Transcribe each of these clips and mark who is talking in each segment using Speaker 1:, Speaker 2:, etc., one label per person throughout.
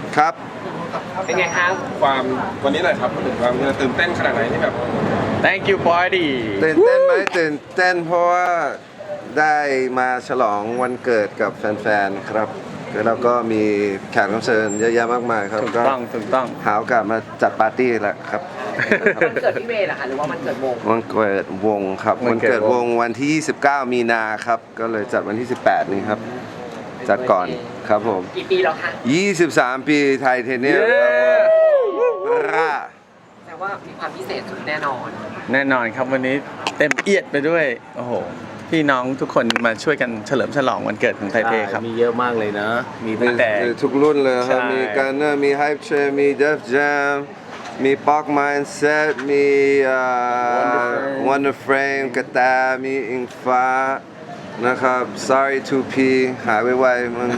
Speaker 1: ครับ
Speaker 2: เป็นไงครับ
Speaker 3: ความวันนี้หน่อยครับถึงความตื่นเต้นขนาดไหนที่แบบ
Speaker 4: Thank you party
Speaker 1: ตื่นเต้นไหมตื่นเต้นเพราะว่าได้มาฉลองวันเกิดกับแฟนๆครับแล้วก็มีแขกรับเชิญเยอะแยะมากมายครับ
Speaker 4: ถูกต้อง
Speaker 1: หาโอกาสมาจัดปาร์ตี้แหละครับ
Speaker 2: วันเกิดพี่เวย์เหรอคะหรือว่าวันเกิดวง
Speaker 1: วันเกิดวงครับวันเกิดวงวันที่ 29 มีนาครับก็เลยจัดวันที่ 18 นี้ครับจัดก่อนครับผม
Speaker 2: กี่ปีแล้วคะ
Speaker 1: 23 ปีไทเทเนียมครับร่า
Speaker 2: แต่ว่ามีความพิเศษสุดแน่นอน
Speaker 4: แน่นอนครับวันนี้เต็มเอียดไปด้วยโอ้โหพี่น้องทุกคนมาช่วยกันเฉลิมฉลองวันเกิดของไทเทครับ
Speaker 5: มีเยอะมากเลยนะมีตั้งแต่
Speaker 1: ทุกรุ่นเลยครับมีการเนอร์มีไฮป์เชร์มีเดฟแจมมีป๊อกมายน์เซตมีวันเดอร์เฟรมกระแตมีอิงฟ้านะครับ sorry 2P หายไวๆมึง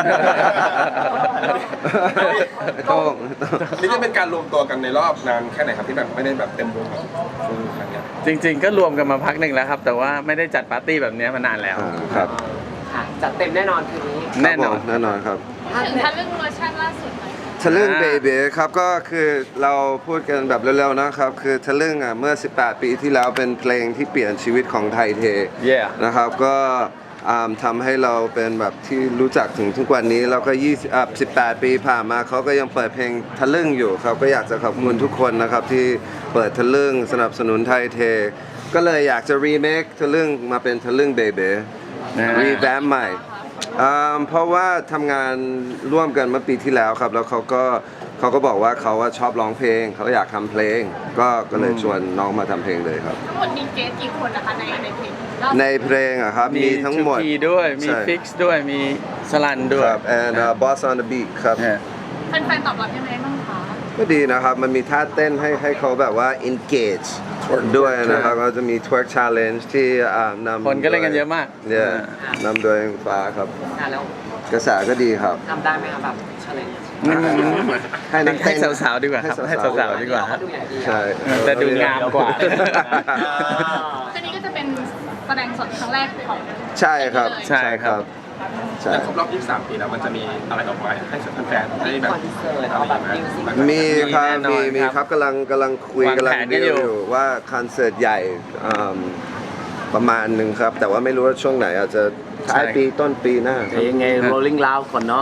Speaker 1: ต้อง
Speaker 3: นี่จะเป็นการรวมตัวกันในรอบนานแค่ไหนครับที่แบบไม่ได้แบบเต็มวงแบบฟูลครั้งนี้
Speaker 4: จริงๆก็รวมกันมาพักหนึ่งแล้วครับแต่ว่าไม่ได้จัดปาร์ตี้แบบนี้มานานแล้ว
Speaker 1: ครับ
Speaker 2: ค่ะจัดเต็มแน่นอนคืนนี้
Speaker 4: แน่นอน
Speaker 1: ครับ
Speaker 6: ถึงทันเรื่องเวอร์ชันล่าสุดหน่อย
Speaker 1: ทะลึ่งเบเบ้ครับก็คือเราพูดกันแบบเร็วๆนะครับคือทะลึ่งเมื่อ18 ปีที่แล้วเป็นเพลงที่เปลี่ยนชีวิตของไทเทนะครับก็ทำให้เราเป็นแบบที่รู้จักถึงทุกวันนี้แล้วก็18 ปีผ่านมาเขาก็ยังเปิดเพลงทะลึ่งอยู่ครับก็อยากจะขอบคุณทุกคนนะครับที่เปิดทะลึ่งสนับสนุนไทเทก็เลยอยากจะรีเมคทะลึ่งมาเป็นทะลึ่งเบเบ้รีแวมใหม่เพราะว่าทำงานร่วมกันเมื่อปีที่แล้วครับแล้วเขาก็บอกว่าเขาชอบร้องเพลงเขาอยากทำเพลงก็เลยชวนน้องมาทำเพลงเลยครับ
Speaker 6: ทั้งหมดมีเกสกี่คนนะคะในเพลง
Speaker 1: ในเพลงอะครับมีทั้งหมด
Speaker 4: มีด้วยมีฟิกซ์ด้วยมีสลันด้วย
Speaker 1: ครับ and boss on the beat ครับ
Speaker 6: แฟนๆตอบรับยังไงบ้างคะ
Speaker 1: ก็ดีนะครับมันมีท่าเต้นให้เขาแบบว่า engage ด้วยนะครับก็จะมี twerk challenge ที่นำ
Speaker 4: คนก็เล่นกันเยอะมาก
Speaker 1: เนี่ยนำโดยฟ้าครับ
Speaker 2: แล้ว
Speaker 1: กระแสก็ดีครับ
Speaker 2: ทำได้ไหมครับแบบ challenge
Speaker 4: ให้สาวๆดีกว่าครับให้สาวๆดีกว่า
Speaker 1: ใช่
Speaker 4: แต่ดูงามกว่า
Speaker 6: คืนนี้ก็จะเป็นแสดงสดครั้งแรกของ
Speaker 1: ใช่ครับ
Speaker 4: ใช่ครับ
Speaker 3: แต่ครบรอบ23 ปีแล้วมันจะมีอะไรออกมาให้แฟนๆได้แบบ
Speaker 1: มีครับกำลังคุยกำลังดีลอยู่ว่าคอนเสิร์ตใหญ่ประมาณหนึ่งครับแต่ว่าไม่รู้ว่าช่วงไหนอาจจะท้ายปีต้นปีหน้า
Speaker 5: ยังไง rolling loud ก่อนเนาะ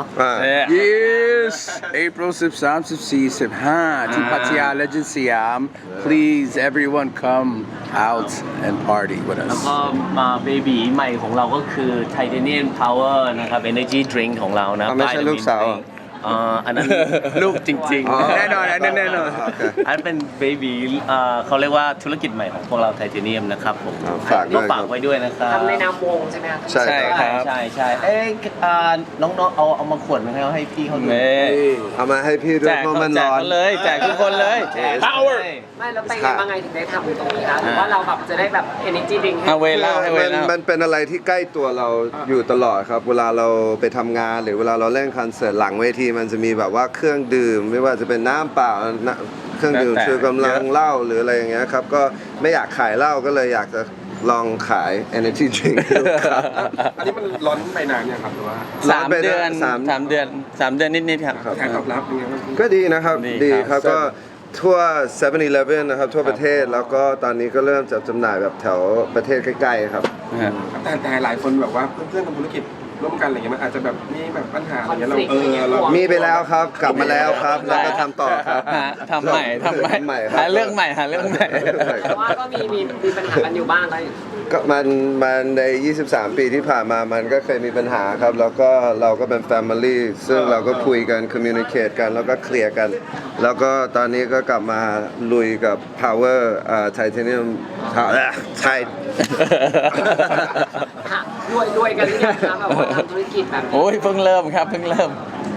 Speaker 7: Yes April 13 14 15ที่พัทยา Legend สยาม Please everyone come out and party with us
Speaker 5: แล้วก็มาเบบีใหม่ของเราก็คือ Titanium Power นะครับ Energy Drink ของเรานะ
Speaker 1: ไม่ใช่ลูกสาว
Speaker 5: อันนั้นลูกจริง
Speaker 4: ๆแน่นอนอันนั้นแน่นอน
Speaker 5: อันเป็นเบบีเขาเรียกว่าธุรกิจใหม่ของพวกเราไทเทเนียมนะครับผมก็ฝากไว้ด้วยนะครับ
Speaker 2: ทำในนามวงใช่ไหมครับ
Speaker 1: ใช่
Speaker 5: ครับใช่น้องๆเอามาขวดมาให้พี่เขาดู
Speaker 1: เอามาให้พี่ด้วยเพราะมันร้อน
Speaker 4: เลยแจกทุกคนเลย
Speaker 1: Power
Speaker 2: ไม่แล้วไปยังไงถึงได้ทำตรงนี้คะหรือว่าเราแบบจะได้แบบ energy drink ให้
Speaker 4: เวลา
Speaker 1: มันเป็นอะไรที่ใกล้ตัวเราอยู่ตลอดครับเวลาเราไปทำงานหรือเวลาเราเล่นคอนเสิร์ตหลังเวทีมันจะมีแบบว่าเครื่องดื่มไม่ว่าจะเป็นน้ำเปล่าเครื่องดื่มชูกำลังเหล้าหรืออะไรอย่างเงี้ยครับก็ไม่อยากขายเหล้าก็เลยอยากจะลองขาย energy drink
Speaker 3: อันนี้มันร้อนไปนานยังครับหรือว่า
Speaker 4: 3 เดือนนิดๆครับ
Speaker 3: การตอบรับเป็นไงบ้าง
Speaker 1: ก็ดีนะครับดีครับก็ทั่ว 7-Eleven นะครับทั่วประเทศแล้วก็ตอนนี้ก็เริ่มจัดจำหน่ายแบบแถวประเทศใกล้ๆครับ
Speaker 3: แต่หลายคนแบบว่าเพื่อนๆทำธุรกิจร่วมกันอะไรเงี้ยมันอาจจะแบบมีแบบปัญหาอะไรเงี้ยเรา
Speaker 1: มีไปแล้วครับกลับมาแล้วครับแล้วก็ทำต่อครับ
Speaker 4: ทำใหม่หาเรื่องใหม่
Speaker 2: แต่ว่าก็มีปัญหากันอยู่บ้างเลย
Speaker 1: ก็มันใน23 ปีที่ผ่านมามันก็เคยมีปัญหาครับแล้วก็เราก็เป็น Family ซึ่งเราก็คุยกัน communicate กันแล้วก็เคลียร์กันแล้วก็ตอนนี้ก็กลับมาลุยกับ Power Titanium ไทย
Speaker 2: รวยกันหรือยังคะแบบว่าทำธุรกิจแบบนี้
Speaker 4: โอ้ยเพิ่งเริ่มครับเพิ่งเริ่ม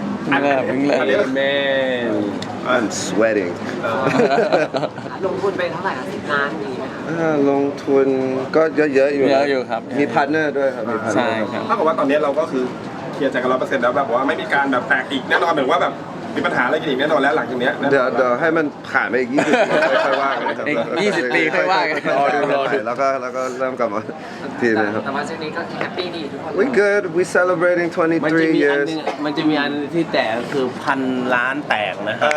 Speaker 1: I'm sweating
Speaker 2: ลงทุนไปเท่าไหร่คะ10 ล้านดีไหมคะ
Speaker 1: ลงทุนก็เยอะ
Speaker 4: อยู่ครับ
Speaker 1: มีพาร์ทเนอร์ด้วยครับ
Speaker 4: ใช่ครับ
Speaker 3: ถ้ากับว่าตอนนี้เราก็คือเคลียร์ใจกัน100%แล้วแบบว่าไม่มีการแบบแตกอีกแน่นอนเหมือนว่าแบบไปมีปัญหาอะไรกันอีกแน่นอนแล้วหลังจากเนี้ยนะ
Speaker 1: เดี๋ยวให้มันผ่านไปอีก20 ปีค่อยว่ากันครับ
Speaker 4: อีก20 ปีค่อยว่ากัน
Speaker 1: รอดูแล้วก็เริ่มกลับมาทีนะครับ
Speaker 2: แต่ว่าช่วงนี้ก็แฮปปี้ดีทุกคน
Speaker 1: We good we celebrating
Speaker 5: มันจะ
Speaker 1: 23
Speaker 5: มีอัน
Speaker 1: years
Speaker 5: นึงมันจะมีอันนึงที่แตกคือ1,000 ล้านแตกนะครับ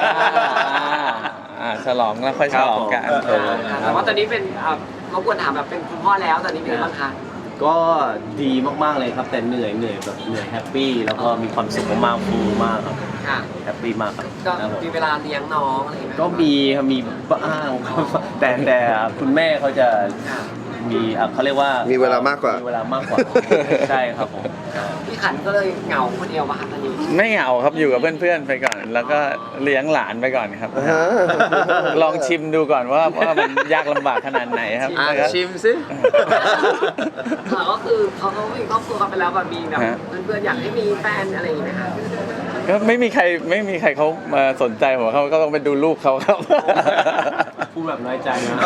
Speaker 4: ฉลองแล้วค่อยฉลองกัน
Speaker 2: แต่ว่าตอนนี้เป็นรบกวนถามแบบเป็นคุณพ่อแล้วตอนนี้เป็นยังไงบ้างคะ
Speaker 5: ก็ดีมากๆเลยครับแต่เหนื่อยแบบเหนื่อยแฮปปี้แล้วก็มีความสุขมากๆฟูมากครับ
Speaker 2: ค่ะ
Speaker 5: แฮปปี้มากครับ
Speaker 2: ก็
Speaker 5: ครับผม
Speaker 2: มีเวลาเลี้ยงน้องอะไรอย่างเงี้ย
Speaker 5: ก็มีครับมีบ้างครับแต่คุณแม่เขาจะมีเขาเรียกว่า
Speaker 1: มี
Speaker 5: มี
Speaker 1: เวลามากกว่า
Speaker 5: มีเวลามากกว่า ใช่ครับผม
Speaker 2: พี่ขันก็เลยเหงาคนเดียวมาค่ะตอนนี้
Speaker 4: ไม่เหงาครับอยู่กับเพื่อนๆไปก่อน แล้วก็เลี้ยงหลานไปก่อนครับ ลองชิมดูก่อนว่ามันยากลำบากขนาดไหนครับแล้วก็
Speaker 5: ชิมสิ
Speaker 2: ค่ะก็คือเขามีครอบครัวกันไปแล้วแบบมีแบบเพื่อนๆอยากให้มีแฟนอะไรอย่างเงี้ยไหมคะ
Speaker 4: ก็ไม่มีใครเขามาสนใจผมเขาก็ต้องไปดูลูกเขาครับ
Speaker 5: พูดแบบน้อยใจนะ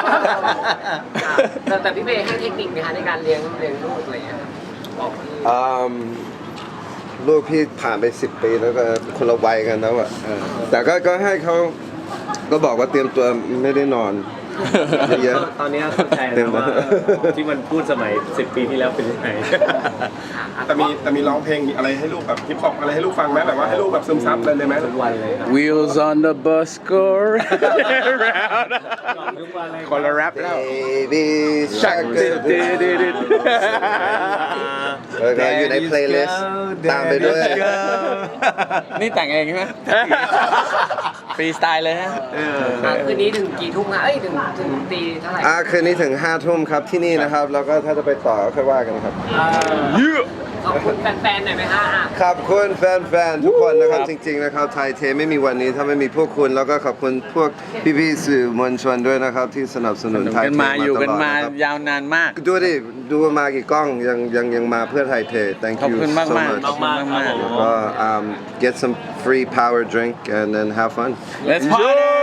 Speaker 2: แต่พี่เมย์ให้เทคนิคไหมคะในการเลี้ยงลูกอะไรอย่างเงี้ยครับบอกพี่
Speaker 1: ลูกพี่ผ่านไป10 ปีแล้วก็คนละวัยกันแล้วอะแต่ก็ให้เขาก็บอกว่าเตรียมตัวไม่ได้นอนเยอะ
Speaker 5: ตอนนี้เข้าใจแล้วว่าที่มันพูดสมัย10 ปีที่แล้วเป็นยังไง
Speaker 3: แต่มีร้องเพลงอะไรให้ลูกแบบฮิปฮอปอะไรให้ลูกฟังไหมแบบว่าให้ลูกแบบซึมซับอะไรเลยไหม
Speaker 5: ทุกวันเลยครับ
Speaker 7: Wheels on the bus go round
Speaker 5: ทุกวันเลย
Speaker 7: คนละแรปแล้ว
Speaker 1: Baby Shark แล้วก็อยู่ใน playlist ตามไปด้วย
Speaker 4: นี่แต่งเองใช่ไหมฟรีสไตล์เลยฮะ
Speaker 2: คืนนี้ถึงกี่ทุ่มคะถึงตีเท่าไหร่
Speaker 1: คืนนี้ถึง5 ทุ่มครับที่นี่นะครับ แล้วก็ถ้าจะไปต่อค่อยว่ากันครับ
Speaker 2: ขอบคุณแฟนๆหน่อยไหมคะ
Speaker 1: ขอบคุณแฟนๆทุกคนนะครับจริงๆนะครับไทยเทไม่มีวันนี้ถ้าไม่มีพวกคุณแล้วก็ขอบคุณพวกพี่ๆสื่อมวลชนด้วยนะครับที่สนับสนุนไทย
Speaker 4: กัน
Speaker 1: เท
Speaker 4: มาอยู่กันมา
Speaker 1: ตลดะครับ
Speaker 4: ยาวนานมาก
Speaker 1: ดูดิดูมากี่กล้องยังมาเพื่อไทยเท thank
Speaker 4: ขอบ
Speaker 1: you
Speaker 4: คุณ
Speaker 1: so
Speaker 4: มาก
Speaker 1: much
Speaker 4: ๆขอบคุณมาก
Speaker 1: ก็get some free power drink and then have fun
Speaker 4: Let's party